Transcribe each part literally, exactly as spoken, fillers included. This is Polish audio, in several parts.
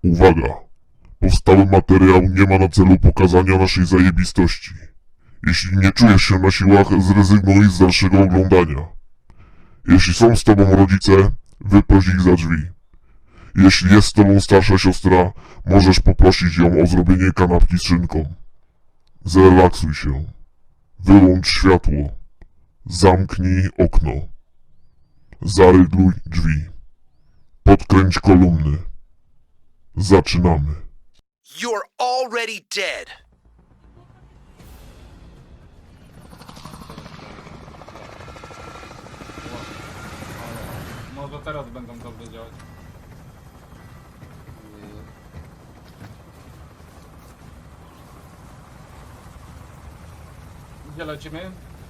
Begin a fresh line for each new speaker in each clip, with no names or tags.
Uwaga! Powstały materiał nie ma na celu pokazania naszej zajebistości. Jeśli nie czujesz się na siłach, zrezygnuj z dalszego oglądania. Jeśli są z tobą rodzice, wyproś ich za drzwi. Jeśli jest z tobą starsza siostra, możesz poprosić ją o zrobienie kanapki z szynką. Zrelaksuj się. Wyłącz światło. Zamknij okno. Zarygluj drzwi. Podkręć kolumny. Zaczynamy.
You're already dead.
Może teraz będą dobrze działać. Gdzie lecimy?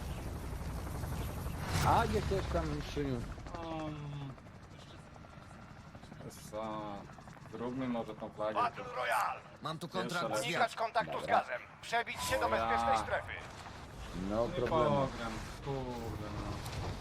A jesteś tam, Szyniu.
Um, co? Zróbmy może tą flagę.
Battle Royale!
Mam tu
Jeszcze
kontrakt
raz.
z
Unikać kontaktu z gazem. Przebić się do
O ja.
bezpiecznej strefy.
No
Nie
problemu.
pogram, kurde no.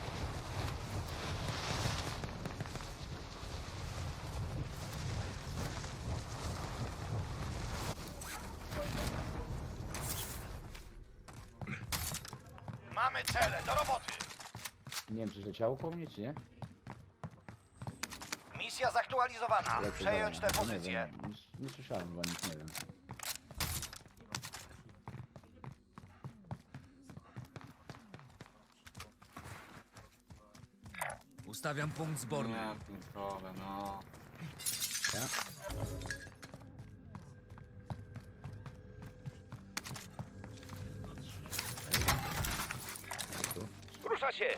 Mamy cele, do roboty.
Nie wiem, czy leciało po mnie, czy nie?
Misja zaktualizowana.
Ale to
Przejąć
dobra,
tę
to nie
pozycję.
wiem, Nie, nie słyszałem chyba nic, nie wiem.
Ustawiam punkt zborny.
Nie, pierdolę, no.
Ja?
Rusza się.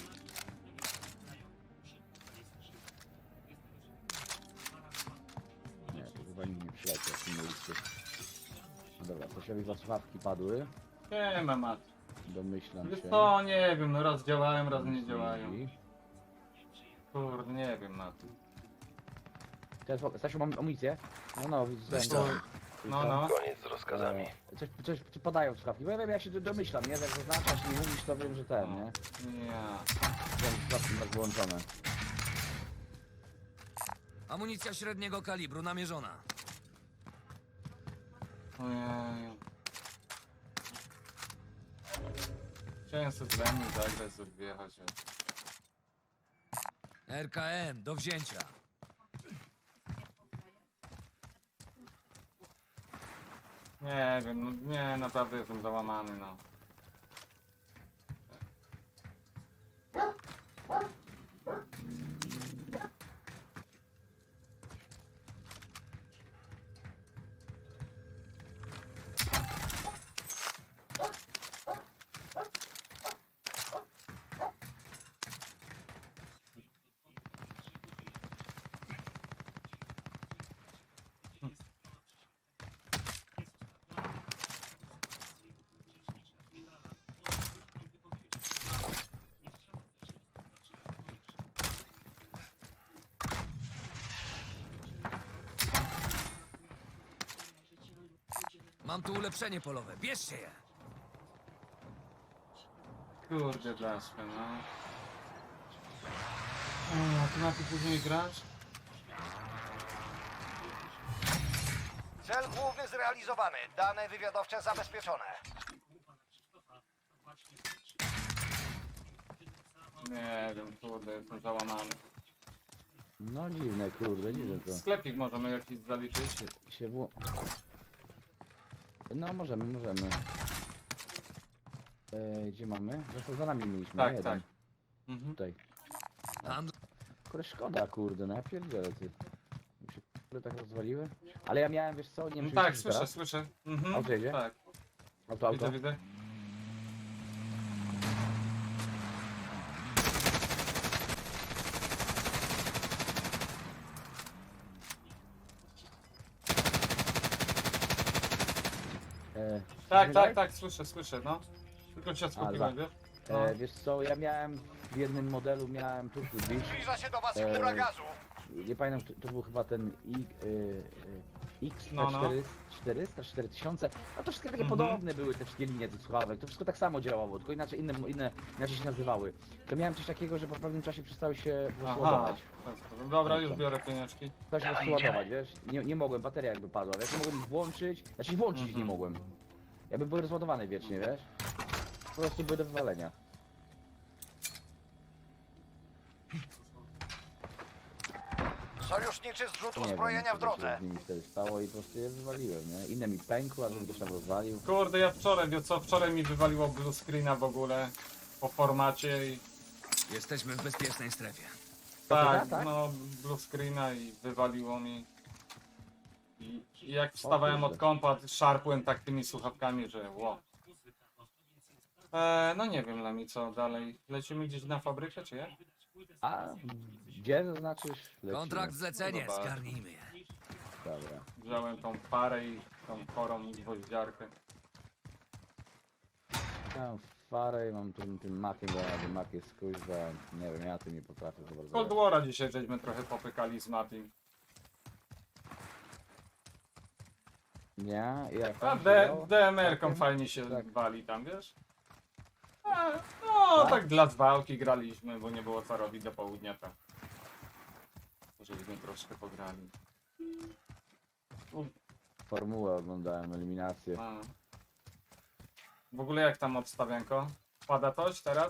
Nie, to chyba nikt nie przyleciał w tym miejscu. No dobra, Kosiowi was słuchawki padły.
Nie ma mat.
Domyślam
Wiesz
się.
co, nie wiem, no raz działają, raz nie działają.
I-
Kurde, nie wiem na tym.
Teraz, Stasiu, mam amunicję? No, no, widzę.
Weź
dobra.
to.
No, no.
Koniec z rozkazami.
E, Coś, coś ci podają słuchawki, bo ja wiem, ja się do- domyślam, nie? Jak zaznaczasz i mówisz, to wiem, że ten, nie?
Nie.
Wiem, słuchawki tak wyłączone.
Amunicja średniego kalibru namierzona.
Ojej. Chciałem sobie z Lemmy zagrać, sobie wjechać.
R K M do wzięcia.
Nie wiem, no nie, naprawdę jestem załamany, no.
Mam tu ulepszenie polowe. Bierzcie je.
Kurde blaszka, no. O, ty na tym później grasz?
Cel główny zrealizowany. Dane wywiadowcze zabezpieczone.
Nie wiem, kurde, jestem załamany.
No dziwne, kurde, dziwne to.
Sklepik możemy jakiś zaliczyć?
Się wło... No możemy, możemy. E, gdzie mamy? Zresztą za nami mieliśmy,
Tak,
nie? Jeden.
tak. Mhm.
Tutaj.
Handl...
Kurde, szkoda, kurde, no ja pierdzielę, ty. Mi się kurde tak rozwaliły. Ale ja miałem, wiesz co, nie wiem,
No
czy
tak,
widzisz
słyszę,
teraz?
słyszę. Mhm.
Auto jedzie?
Tak,
Auto, auto.
widzę, widzę.
E,
Tak,
słyszysz,
tak, tak, słyszę, słyszę, no. Tylko cię
A,
skupiłem,
za-
wiesz? No.
E, wiesz co, ja miałem w jednym modelu, miałem tu Beach.
Zbliża się do was
Eee.
chmura gazu.
Nie pamiętam, to, to był chyba ten I, y, y, X
No, no.
czterysta, cztery tysiące, a to wszystkie takie
Mhm.
podobne były te wszystkie linie tych słuchawek, to wszystko tak samo działało, tylko inaczej inne, inne inaczej się nazywały. To miałem coś takiego, że po pewnym czasie przestały się po prostu
Aha.
ładować.
Dobra, już biorę pieniążki.
Przestały się po prostu ładować, wiesz? Nie, nie mogłem, bateria jakby padła, wiesz? Nie mogłem ich włączyć, znaczy włączyć ich nie
Mhm.
mogłem. Jakby były rozładowane wiecznie, wiesz? Po prostu były do wywalenia.
Sojuszniczy zrzut
Nie
uzbrojenia
wiem,
w
co się
drodze.
z nimi wtedy stało i po prostu je wywaliłem, nie? Inne mi pękły, a drugi ktoś tam rozwalił.
Kurde, ja wczoraj, wie co, wczoraj mi wywaliło blue screena w ogóle. Po formacie i
Jesteśmy w bezpiecznej strefie.
tak,
tak, tak?
no blue screena i wywaliło mi. I, i jak wstawałem
kurde.
od kompa, szarpłem tak tymi słuchawkami, że ło. Eee, no nie wiem Lemi, co dalej. Lecimy gdzieś na fabrykę, czy jak?
A gdzie zaznaczysz? Lecimy.
Kontrakt zlecenie,
Dobra.
zgarnijmy je.
Dobra.
Wziąłem tą parę i tą chorą gwoździarkę.
Mam farę i mam tym, tym makiem, bo ja ten mak jest kuźwa, nie wiem, ja tym nie potrafię za bardzo.
Cold War'a dzisiaj żeśmy trochę popykali z Matim.
Nie? I jak
A
tam się
D-
grało?
D M R-ką
Takiem?
fajnie się
Tak.
wali tam, wiesz? A, no,
Tak?
tak dla zwałki graliśmy, bo nie było co robić do południa, to żeśmy troszkę pograli. U,
Formułę oglądałem, eliminację.
a. W ogóle jak tam obstawianko? Pada coś teraz?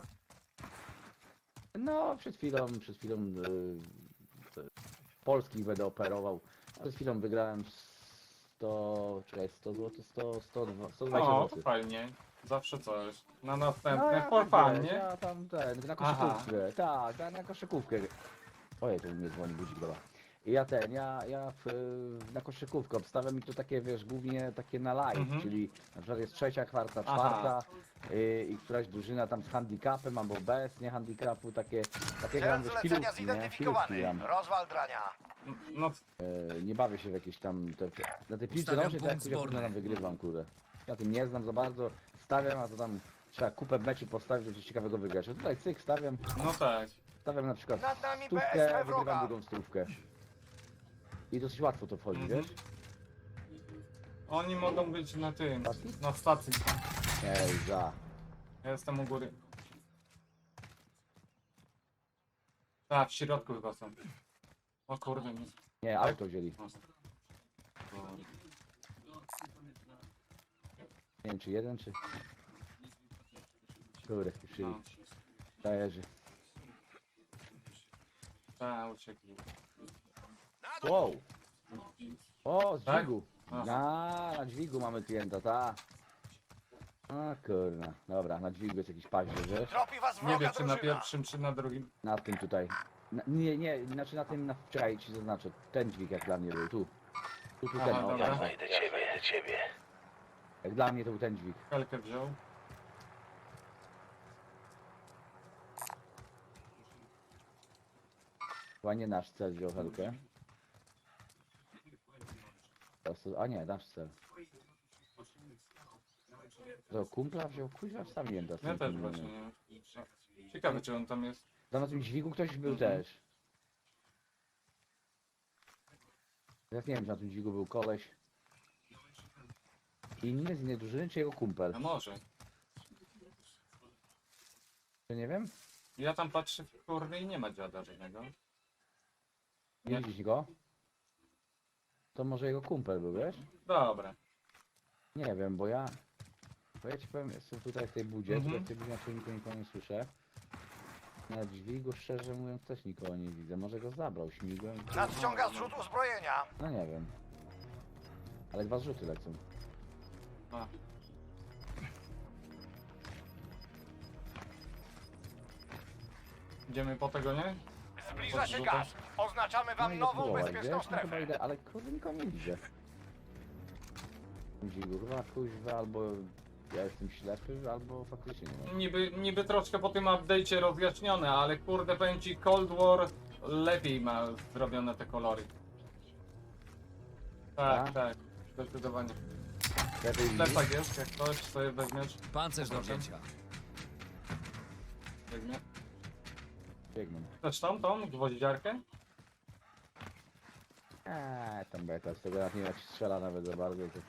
No, przed chwilą, przed chwilą yy, polskich będę operował. Przed chwilą wygrałem sto, czekaj, sto złotych, sto, sto, sto dwadzieścia
O, to
złotych.
fajnie. Zawsze coś. Na
No,
następne,
ja
for
tak,
fun,
wiesz,
nie?
Ja tam ten, na
Aha.
koszykówkę, tak, tak, na koszykówkę. Ojej, to mnie dzwoni budzik, dobra. I ja ten, ja, ja w, na koszykówkę obstawiam mi to takie, wiesz, głównie takie na live,
Mhm.
czyli na przykład jest trzecia, kwarta,
Aha.
czwarta y, i któraś drużyna tam z handicapem albo bez, nie handicapu, takie, takie
Cel
gram, wiesz,
zlecenia
chwilówki, nie? Chwilówki
zidentyfikowany.
gram.
Rozwal drania.
No,
Y, nie bawię się w jakieś tam, te, na tej piłce
Ustawiam
nożnej to jak
punkt
ja
zborny.
tam wygrywam, kurde. Ja tym nie znam za bardzo, stawiam, a to tam trzeba kupę meczy postawić, żeby coś ciekawego wygrać. A tutaj cyk, stawiam,
no tak.
stawiam na przykład
Nad nami B S
stówkę,
P wroga.
wygrywam drugą stówkę. I dosyć łatwo to wchodzi,
Mhm.
wiesz?
Oni mogą być na tym,
Stacji?
na stacji.
Ej, za.
Ja jestem u góry. Tak, w środku chyba są. O kurde, nie.
Nie, auto wzięli.
O.
Nie wiem czy jeden, czy... Kurde, spieszyli.
No.
Dajerzy.
Tak, uciekli.
Wow! O, z
Tak?
dźwigu.
Aha.
Na, na dźwigu mamy klienta, ta. A kurna, dobra, na dźwigu jest jakiś paździerz, wiesz?
Tropi was
Nie
wroga
wiem, czy na
drużyna.
pierwszym, czy na drugim.
Na tym tutaj. Na, nie, nie, znaczy na tym, na, czekaj, ci zaznaczę. Ten dźwig jak dla mnie był, tu. Tu, tu,
Aha,
ten, o,
dobra.
tak,
Do ciebie, do ciebie.
jak dla mnie to był ten dźwig.
Helkę wziął.
Chyba nie nasz cel wziął Helkę. Teraz to- A nie, nasz cel. To kumpla wziął, kuźwa wstawiłem teraz.
Ja
ten
też
inny.
właśnie nie wiem. Ciekawe, czy on tam jest.
Tam na tym dźwigu ktoś był
Mhm.
też. Teraz nie wiem, czy na tym dźwigu był koleś inny z innej drużyny, czy jego kumpel.
A może.
Czy nie wiem?
Ja tam patrzę, kurde, i nie ma dziada żadnego.
Nie
Nie.
widzisz go? To może jego kumpel był, wiesz?
Dobra.
Nie wiem, bo ja... Bo ja ci powiem, jestem tutaj w tej budzie,
Mhm.
tutaj w tej budzie na czujniku nikogo nie słyszę. Na dźwigu, szczerze mówiąc, też nikogo nie widzę. Może go zabrał śmigłem.
Nadciąga zrzut uzbrojenia.
No nie wiem. Ale dwa zrzuty lecą.
A. Idziemy po tego, nie?
Zbliża się
Podrzucasz?
gaz. Oznaczamy wam
idę
nową
spróbować,
bezpieczną
wiesz? No chyba
strefę.
idę, ale kurde nikogo nie widzę. Dźwigu, chyba kuźwa, albo ja jestem ślepy, albo faktycznie nie mam.
Niby, niby troszkę po tym update'cie rozjaśnione, ale kurde, powiem ci, Cold War lepiej ma zrobione te kolory. Tak,
Tak?
tak, zdecydowanie.
Lepiej widzisz?
Plecak jest, jak ktoś sobie weźmiesz,
Pancerz do
Proszę.
wzięcia.
weźmie.
Biegną.
Chcesz tą, tą gwoździarkę?
Eee, tam beka, z tego jak nie jak strzela nawet za bardzo, to...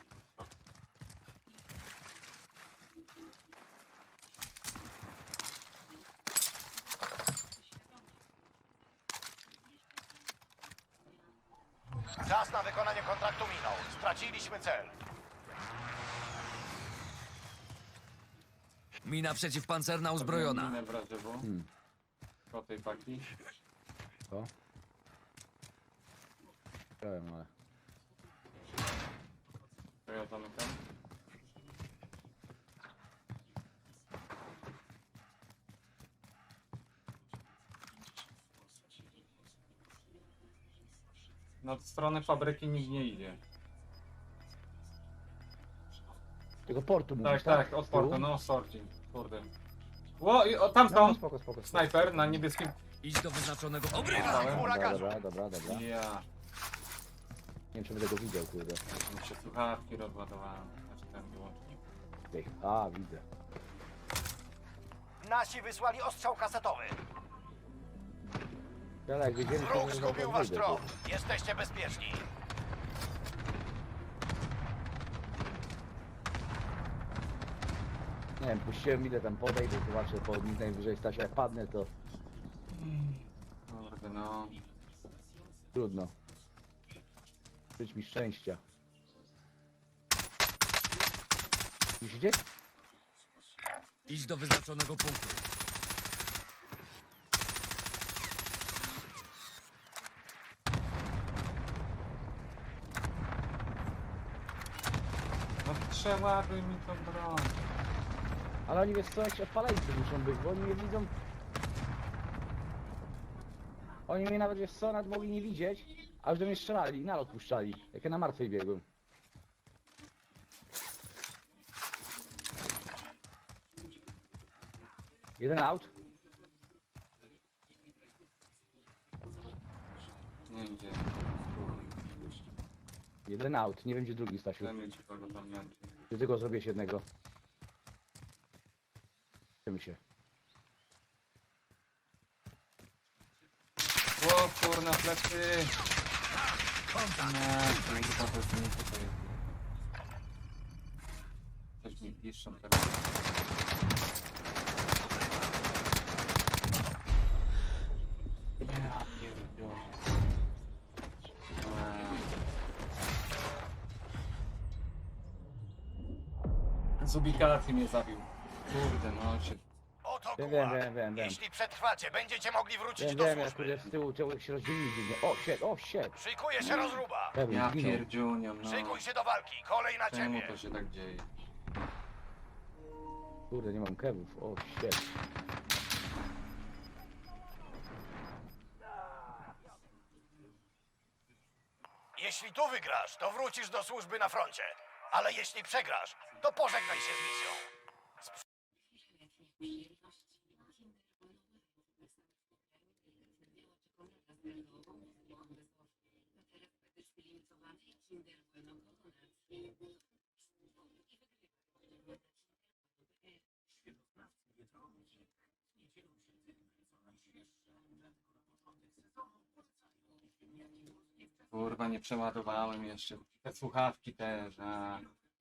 Czas na wykonanie kontraktu minął. Straciliśmy cel.
Mina przeciwpancerna uzbrojona.
Minę w razie, bo
Hmm.
po tej paki.
Co? Chciałem, ale...
To ja zamykam. No w stronę fabryki nikt nie idzie.
Tego portu mówisz,
Tak,
tak?
tak, od
Z tyłu?
portu, no sorting. Kurde. Ło, i- o, tam
No,
są!
spoko, spoko, spoko.
Snajper na niebieskim.
Idź do wyznaczonego obrywa.
Dostałem.
Dobra,
Huragan.
dobra, dobra, dobra. Nie
Ja.
wiem, czy będę go widział, kurde.
Mi się słuchawki rozładowałem. Znaczy ten wyłącznik.
Tej. A, widzę.
Nasi wysłali ostrzał kasetowy.
Ale jak wiedzieli,
Wróg
to
zgubił wasz
wyjdę,
trop.
kurde.
Jesteście bezpieczni.
Nie wiem, puściłem ile tam podejdę, zobaczę, po nich najwyżej stać, jak padnę, to
Kurde, no.
trudno. Żyć mi szczęścia. Widzicie?
Idź do wyznaczonego punktu.
No trzeba by mi to broń.
Ale oni wiesz co, jakieś odpaleńcy muszą być, bo oni mnie widzą. Oni mnie nawet wiesz co, nawet mogli nie widzieć, a już do mnie strzelali i nalot puszczali, jak ja na martwej biegłem. Jeden out.
Nie idzie.
Jeden out, nie wiem gdzie drugi, Stasiu.
Chcemy ci kogo tam męczy.
Ty tylko zrobię jednego. Czym się?
O kurna, plecy! Nie, kurwa, to jest nie to jest. Coś mi piszą teraz. Ja pierdolę. Eee. Z ubikacji mnie zabił. Kurde, no się...
Oto
Wiem, wiem,
gułag.
wiem, wiem, wiem.
Jeśli przetrwacie, będziecie mogli wrócić
Wiem,
do
wiem, jak
służby.
kurde z tyłu człowiek się rozdzielił dziwnie. O, shit, o, shit.
Szykuje się rozruba.
Pewnie
Ja
zginął.
pierdziuniam, no.
Szykuj się do walki. Kolej na
Czemu
ciebie.
to się tak dzieje?
Kurde, nie mam kewów, o, shit.
Jeśli tu wygrasz, to wrócisz do służby na froncie. Ale jeśli przegrasz, to pożegnaj się z misją.
Kurwa, nie przeładowałem jeszcze. Te słuchawki też, a...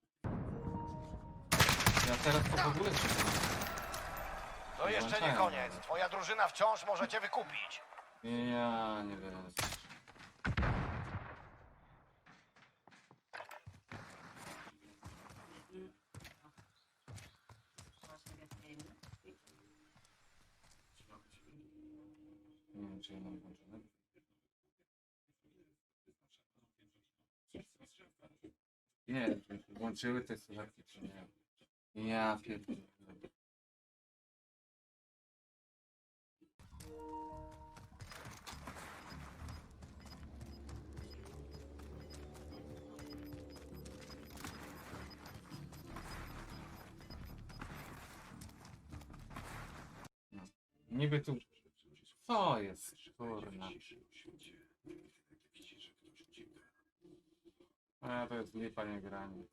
Ja teraz to w ogóle się...
To jeszcze nie koniec. Twoja drużyna wciąż może cię wykupić.
Ja nie wiem. Nie wiem, czy ja mam włączone. Nie, czy włączyły te słuchawki, czy nie? Ja pierdolę. No. Niby tu... Co jest, kurna? A, to jest lipa, nie granie.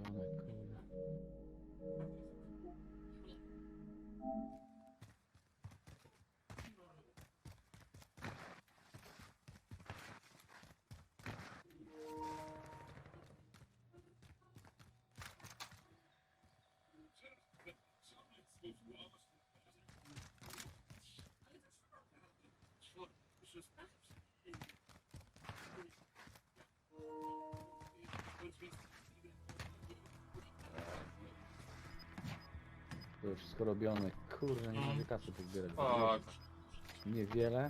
To już wszystko robione. Kurde, nie mogę kasy pozbierać.
O,
Niewiele.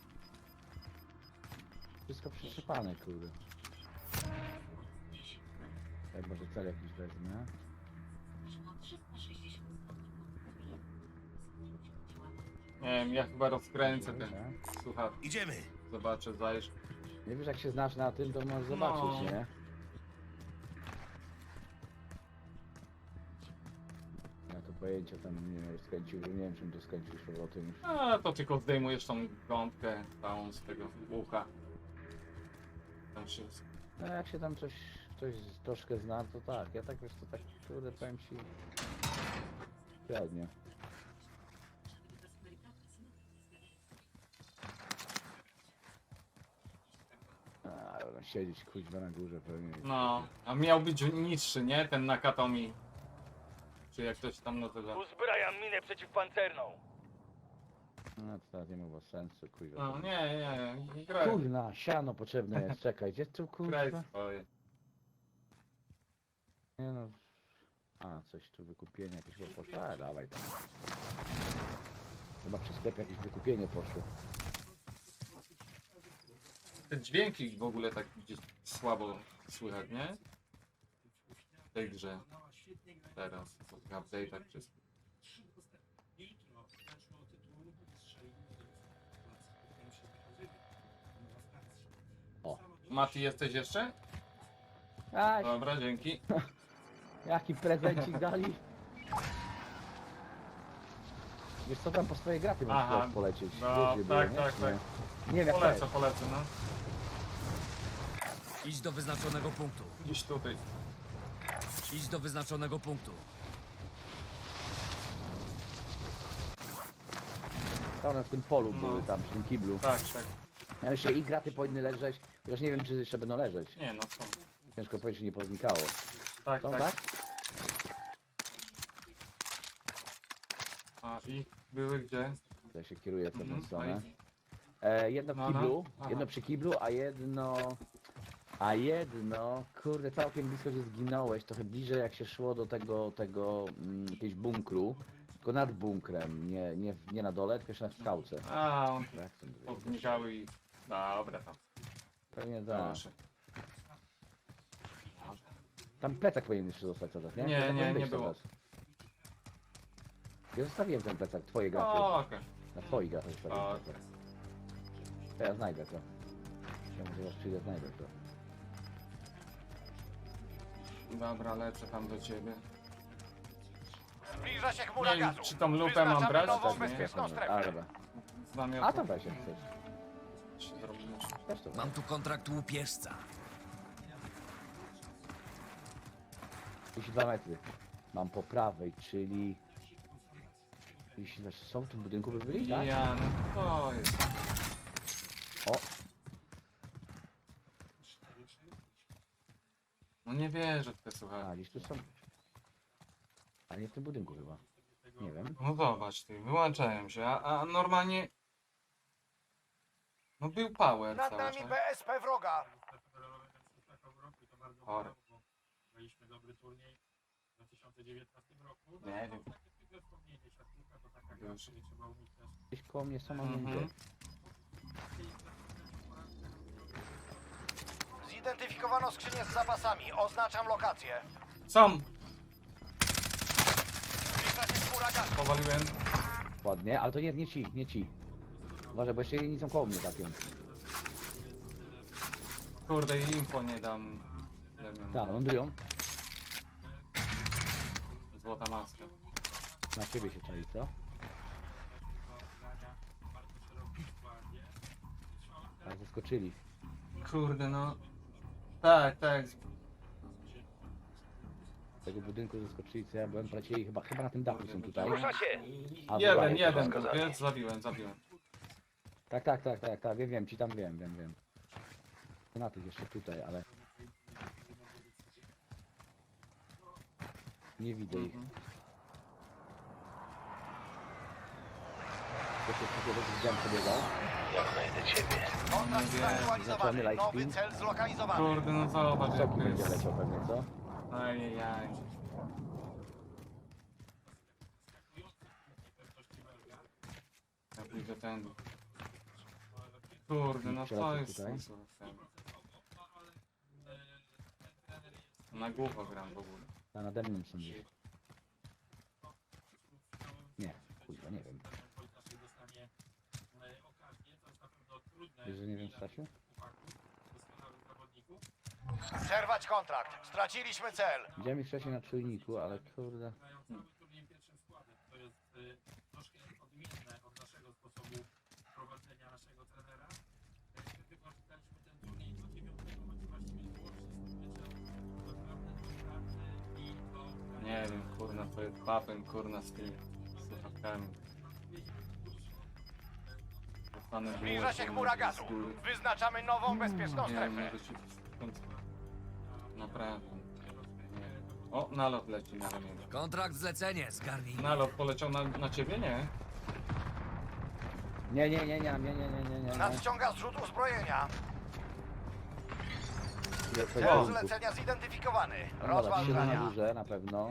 Wszystko przyczepane, kurde. Jak może cel jakiś wezmę.
nie wiem, ja chyba rozkręcę ten
Dobra.
słuchawki.
Idziemy.
Zobaczę, zajrz.
Nie wiesz, jak się znasz na tym, to możesz zobaczyć,
No.
nie? Ja to pojęcia tam nie wiem, skręcił, że nie wiem czym to skręcił z powrotem.
A to tylko zdejmujesz tą gąbkę całą z tego ucha. Tam się...
No jak się tam coś, coś troszkę zna, to tak. Ja tak wiesz, to tak, kurde, powiem ci... Średnio. A, będą siedzieć kuźwa na górze pewnie.
No, a miał być niższy, nie? Ten Nakatomi. Czy jak ktoś tam nazywa.
Uzbrajam minę przeciwpancerną.
No to teraz nie ma chyba sensu, kuźwa.
No, nie, nie, nie. Graj,
Kurna, siano potrzebne jest, czekaj, gdzie tu
graj
kurwa?
swoje.
Nie no. A, coś tu wykupienie jakieś chyba poszło. A, dawaj tam. Chyba przy sklepie jakieś wykupienie poszło.
Te dźwięki w ogóle tak gdzieś słabo słychać, nie? W tej grze. Teraz, w tych update'ach wszystkich.
O.
Mati, jesteś jeszcze?
A,
Dobra, dzięki.
jaki prezencik dali? Wiesz co, tam po swoje graty
Aha,
możesz polecieć.
no,
Wiesz,
tak,
nie?
tak, tak.
Nie, nie wiem jak to
Polecę,
jest.
polecę, no.
Idź do wyznaczonego punktu.
Gdzieś tutaj.
Idź do wyznaczonego punktu.
Tam na tym polu
No.
były, tam przy tym kiblu.
Tak, tak.
Ja myślę, i graty powinny leżeć, chociaż nie wiem, czy jeszcze będą leżeć.
Nie no, są.
Ciężko powiedzieć, czy nie poznikało.
Tak,
Są,
tak.
tak?
A i były gdzie?
Ja się kieruję w pewną
Mhm,
stronę.
no i-
E, jedno w
No, no.
kiblu,
Aha.
jedno przy kiblu, a jedno... A jedno, kurde, całkiem blisko gdzie zginąłeś, trochę bliżej jak się szło do tego, tego, mm, jakiegoś bunkru, tylko nad bunkrem, nie, nie, nie na dole, tylko jeszcze na skałce.
A, on
Jak to mówię?
podnikały i... Dobra, tam.
Pewnie tak.
Proszę.
Tam plecak powinien jeszcze zostać teraz, nie?
Nie,
Plecak
nie,
powinien
nie
być
było.
teraz. Ja zostawiłem ten plecak, twoje graty.
O, okej.
Na twoich gratach zostawiłem
O,
plecak. To ja znajdę to. Ja może zaraz przyjdę, znajdę to.
Dobra, lecę tam do ciebie.
Zbliża się chmura
Nie wiem,
gazu.
czy tą lupę mam
Wyznaczamy
brać,
nową
tak, nie?
bezpieczną
A,
strefę.
dobra.
Z namiotu.
A to weź jak chcesz.
się zrobimy.
Też to
Mam tu kontrakt łupieżca.
trzydzieści dwa metry. Mam po prawej, czyli... Jeśli też są w tym budynku, by byli, tak?
Ja, no to jest.
O,
No nie wierzę w te
a
słuchawki.
gdzieś tu są. A nie w tym budynku chyba. Nie wiem.
No zobacz ty, wyłączają się, a, a normalnie... No był power
Nad
cały
nami
czas.
B S P wroga.
Chory.
Mieliśmy dobry turniej w dwa tysiące dziewiętnastym roku. No,
Nie wiem.
takie zwykłe wspomnienie, siatkówka to taka gra,
Już.
której trzeba uniknąć.
Gdzieś koło mnie są, a nie
Mhm.
widzę.
Zidentyfikowano skrzynię z zapasami. Oznaczam lokację.
Są!
Zbliża się chmura gazu.
Powaliłem.
Ładnie, ale to nie, nie ci, nie ci. Uważaj, bo jeszcze jedni są koło mnie takim.
Kurde, i info nie dam. Damian.
Tak, lądują.
Złota maska.
Na ciebie się czai, co? Tak, zaskoczyli.
Kurde, no. Tak, tak.
tego budynku zeskoczyli, co ja byłem, polecieli chyba, chyba na tym dachu są tutaj.
Rusza się!
A,
Jeden,
wydaje-
jeden,
rozkazanie.
więc zabiłem, zabiłem.
Tak, tak, tak, tak, tak, wiem, wiem, ci tam wiem, wiem, wiem. Na tych jeszcze tutaj, ale... Nie widzę ich.
Mhm.
To się takiego widziałem przebiegał.
Ja znajdę ciebie. Kontakt
Nie wiem.
zaktualizowany.
Zaczynamy
Nowy
lightspeed.
cel zlokalizowany.
Kurde, no zobacz jak
Soki
to
będzie
jest.
leciał pewnie, co?
Ajajaj. Ja pójdę ten. Kurde, no to
Przeleciał
jest...
tutaj.
Na głowę gram w ogóle.
A nade mną są gdzieś. Nie, kurwa, nie wiem. Wiesz, że nie wiem, Stasiu?
Zerwać kontrakt. Straciliśmy cel.
Widziałem ich wcześniej na czujniku, ale kurde...
To jest y, troszkę odmienne od naszego sposobu prowadzenia naszego trenera. Jak wykorzystaliśmy ten turniej do dziewiątego meczu, właściwie było wszystko meczem naprawdę do pracy i to...
Nie wiem, kurna, to jest papem, kurna, z tymi słuchawkami. Dostanę
Zbliża
było,
się
kurna,
chmura
z
gazu.
góry.
Wyznaczamy nową bezpieczną
Nie wiem,
strefę.
może się skąd... Naprawdę. Nie. O, nalot leci na ramieniu.
Kontrakt zlecenie, zgarnij.
Nalot poleciał na, na ciebie, nie?
Nie, nie, nie, nie, nie, nie, nie, nie, nie, nie.
Nadciąga zrzut uzbrojenia.
Jest
Cel
to
zlecenia zidentyfikowany.
No dobra, trzy na
Rozważania.
duże na pewno.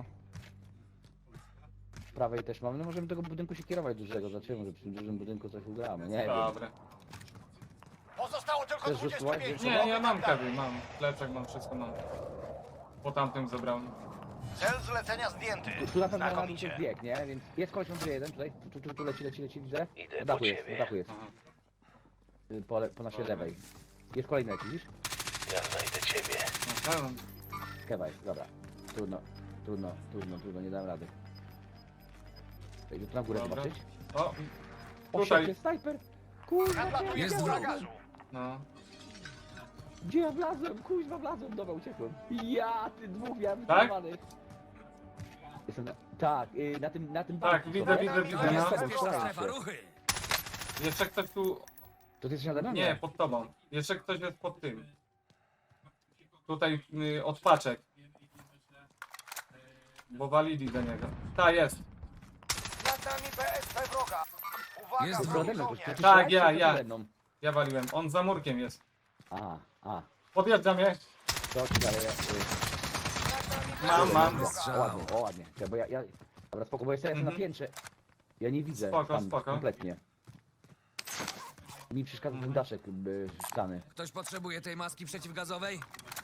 Z prawej też mamy, no możemy tego budynku się kierować dużego, zobaczymy, że przy tym dużym budynku coś ugramy, nie wiem.
Dobra.
Pozostało tylko
Chcesz
dwadzieścia
rzucić
pięć.
ładnie?
Nie, ja mam kawy, mam. Plecak mam, wszystko mam. Po tamtym zebrałem.
Cel zlecenia zdjęty.
Tu, tu na pewno na dół
Znakomicie.
coś bieg, nie? Więc jest koleś numer jeden tutaj, tu, tu, tu leci, leci, leci, widzę.
Idę
Na
po
dachu jest,
ciebie.
na dachu jest.
Aha.
Y, Po, le- po naszej
Dobra.
lewej. Jest kolejny leci, widzisz?
Ja znajdę ciebie.
No, tak.
Kewa jest, dobra. Trudno, trudno, trudno, trudno, nie dam rady. Idę tu na górę
Dobra.
zobaczyć.
O,
O,
Tutaj.
szefie, snajper! Kurwa, gdzie
Nadlatuje
Jest
ja
chmura
wróg.
gazu.
no.
Gdzie ja wlazłem? Kuźwa wlazłem, dobra, uciekłem. Ja, ty dwóch miałem
Tak?
wycelowanych. Jestem na... Tak, y, na tym, na tym
Tak,
banku,
widzę,
dobra?
widzę, widzę,
Ja
no.
Jest
z tobą
bezpieczna
strzelam
strefa,
się.
ruchy!
Jeszcze ktoś tu...
To ty jesteś nade mną?
Nie, pod tobą. Jeszcze ktoś jest pod tym. Tutaj y, od paczek. Bo walili do niego. Ta jest.
Nad nami B S P wroga. Uwaga,
Jest
To
wrogi
nade mną, to
żołnierz.
ty
Tak,
strzelałeś,
ja,
czy to
ja.
nade mną?
Ja waliłem. On za murkiem jest.
A, a.
Podjeżdża mnie.
To ci dalej. y,
Mam, mam.
O,
Strzał.
ładnie, o ładnie. Ja, bo ja, ja... Dobra, spoko, bo jestem
Mhm.
na piętrze. Ja nie widzę
Spoko,
tam
spoko.
kompletnie. Mi przeszkadza ten
Mhm.
daszek y, szklany,
Ktoś potrzebuje tej maski przeciwgazowej?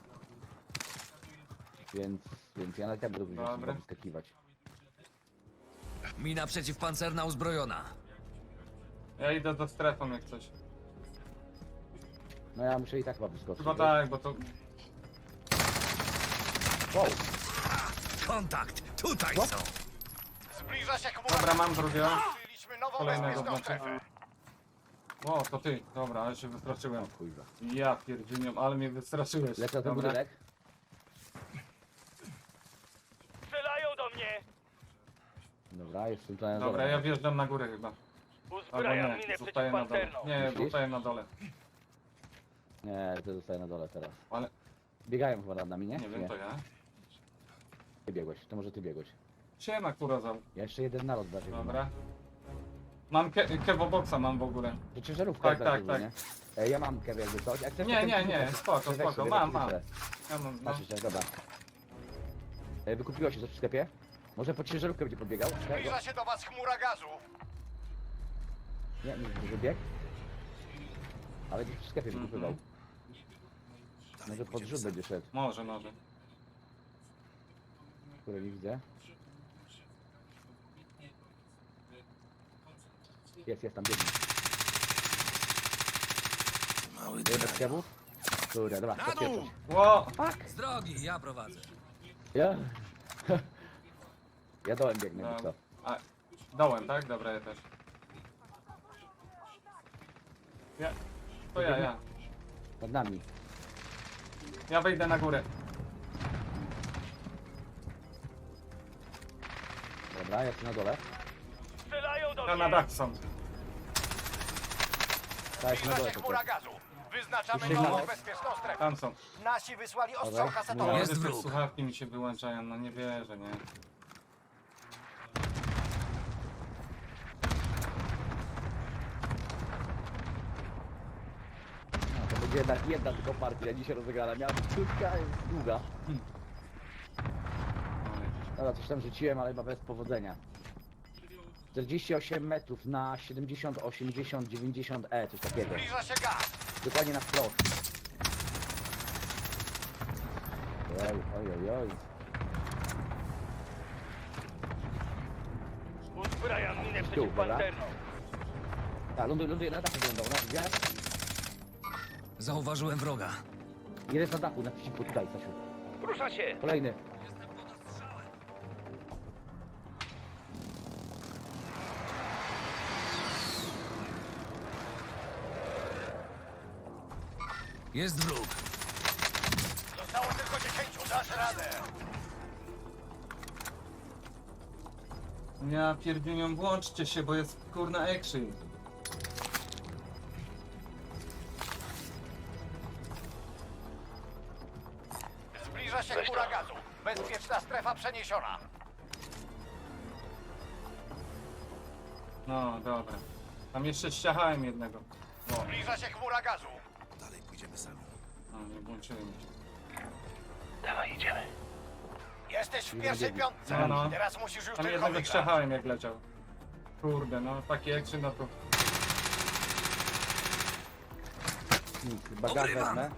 więc, więc ja na tak będę
Dobra.
musiał wyskakiwać.
Mina przeciwpancerna uzbrojona.
Ja idę do strefą jak coś.
No ja muszę i tak chyba wyskoczyć.
Chyba
wiesz?
tak, bo to...
Wow,
Kontakt! Tutaj
Co?
są!
Zbliża się chmura
Dobra, mam drugiego.
Byliśmy nową
Kolejnego
bezpieczną
znaczy.
strefę.
O, to ty. Dobra, ale się wystraszyłem.
kurwa.
Ja pierdziunią, ale mnie wystraszyłeś.
Lecę na ten
Dobra.
budynek.
Strzelają do mnie.
Dobra, jestem tutaj na
Dobra,
dole.
ja wjeżdżam na górę chyba. Albo nie, zostaję na dole. Nie,
Myślisz?
zostaję na dole.
Nie, to zostaję na dole teraz.
Ale
Biegają chyba nad nami, nie?
nie wiem, to ja.
Ty biegłeś, to może ty biegłeś.
Siema, kurozał.
Ja jeszcze jeden nalot bardziej.
Dobra. Mam ke kewoboxa mam w ogóle.
To ciężarówka
Tak,
jest
tak,
bardziej, nie? E, ja mam kew jakby coś. Jak chcesz,
Nie,
to
nie,
ten
nie,
kupię.
spoko,
Weź
spoko,
sobie,
mam,
weź
mam.
sobie.
Ja mam, no.
Masz jeszcze, dobra. E, wykupiło się coś w sklepie? Może po ciężarówkę będzie podbiegał?
Zbliża się do was chmura gazu.
Nie, nie, nie bieg. Ale gdzieś w sklepie
Mhm.
wykupywał. Może pod rzut będzie szedł,
Może, może.
które nie widzę. Jest, jest tam, biegnie.
Mały
Bez kewów? Kurde, dobra,
Na
to
dół!
pierwsza.
Ło!
Z drogi, ja prowadzę.
Ja? Ja dołem biegnę,
Dobra.
co?
A, dołem, tak? Dobra, ja też. Ja. To ja, ja.
Nad nami.
Ja wejdę na górę.
Dobra, ja tu na dole.
Strzelają do
Ja na
mnie!
dach są.
Tak, na
Zbliża
dole
się
to
chmura gazu. Wyznaczamy
Sygnał.
nową bezpieczną strefę.
Tam są.
Nasi wysłali ostrzał
Dobra,
kasetowy.
Jest
Jezu, te
wróg.
słuchawki mi się wyłączają, no nie wierzę, nie.
No, to będzie jednak jedna tylko partia dzisiaj rozegrana. Miała być krótka, jest długa.
Ale
Dobra, coś tam rzuciłem, ale chyba bez powodzenia. czterdzieści osiem metrów na siedemdziesiąt, osiemdziesiąt, dziewięćdziesiąt E, coś takiego.
Zbliża się gaz.
Dokładnie na wprost. Oj, oj, oj, oj.
Uzbrajam minę
Tu, dobra. Tak, ląduje, ląduje na dachu wyglądał, na gwiazd.
Zauważyłem wroga.
Jest na dachu, naprzeciwko tutaj, Stasiu.
Rusza się.
Kolejny.
Jest wróg.
Zostało tylko dziesięciu. Dasz radę.
ja pierdziunią, włączcie się, bo jest kurna action.
Zbliża się chmura gazu. Bezpieczna strefa przeniesiona.
No, dobra. Tam jeszcze ściachałem jednego. O,
Zbliża się chmura gazu.
no nie włączyłem się.
Dawaj, idziemy. Jesteś w pierwszej piątce.
No, no.
Teraz musisz już
Tam
tylko
jednego
wygrać.
ściachałem jak leciał. Kurde, no taki action, no to...
Nic, bagaż
Obrywam.
wezmę.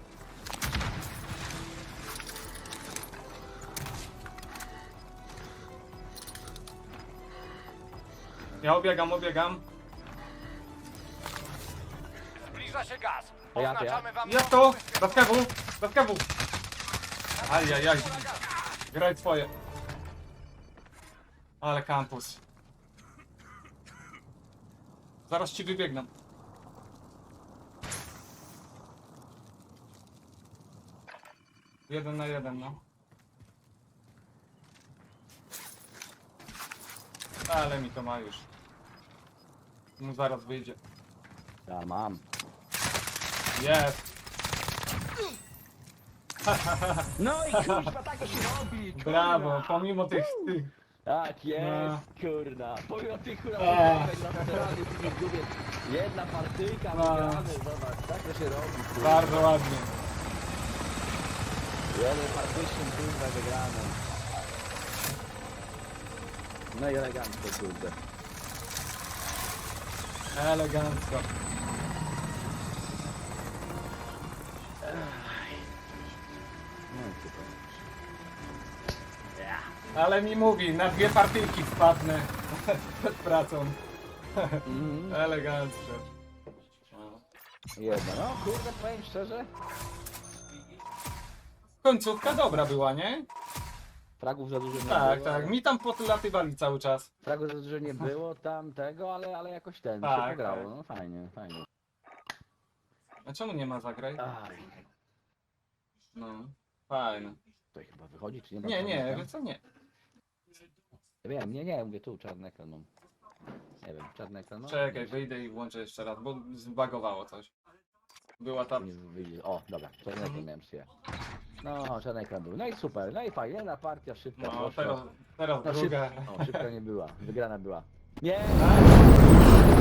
Ja obiegam, obiegam.
Zbliża się gaz.
To ja, to
Oznaczamy wam
Ja
nową
to!
bezpieczną
Do kewu! Do kewu! Ajajaj. Graj twoje. Ale kampus. Zaraz ci wybiegnę. Jeden na jeden, no. Ale mi to ma już. Mu zaraz wyjdzie.
Ja mam.
Jest!
No i kurwa, tak to się robi, kurwa.
Brawo! Pomimo tych... tych
Tak jest,
No.
kurna. Pomimo tych kurwa,
Ech.
lateralnych w tych gubie. Jedna partyjka,
No.
wygrany, zobacz, tak to się robi, kurwa.
bardzo ładnie.
Jeden partyjny, kurwa, wygrany. No i elegancko, kurde.
Elegancko.
No i super.
Ale mi mówi, na dwie partyjki wpadnę przed pracą.
Mhm.
Elegancko. No.
Jedna, no kurde, powiem szczerze.
Końcówka dobra była, nie?
Fragów za dużo nie
Tak,
było.
tak. Mi tam podlatywali cały czas.
Fragów za dużo nie było tam tego, ale, ale jakoś ten,
Tak,
się pograło,
tak.
no fajnie, fajnie.
A czemu nie ma zagraj?
Aj,
No, fajne.
to chyba wychodzi, czy nie ma?
Nie, nie,
czarnego?
wiesz co, nie.
Ja wiem, nie, nie, mówię tu, czarny ekran mam. Nie wiem, czarny ekran mam?
Czekaj, wyjdę i włączę jeszcze raz, bo zbagowało coś. Była ta...
Nie wyjdzie. O, dobra, czarny ekran miałem sobie. No, czarny ekran był. No i super, no i fajnie, jedna partia szybka
No,
poszła.
teraz, teraz
No,
druga.
Szyb... O, szybka nie była, wygrana była. Nie!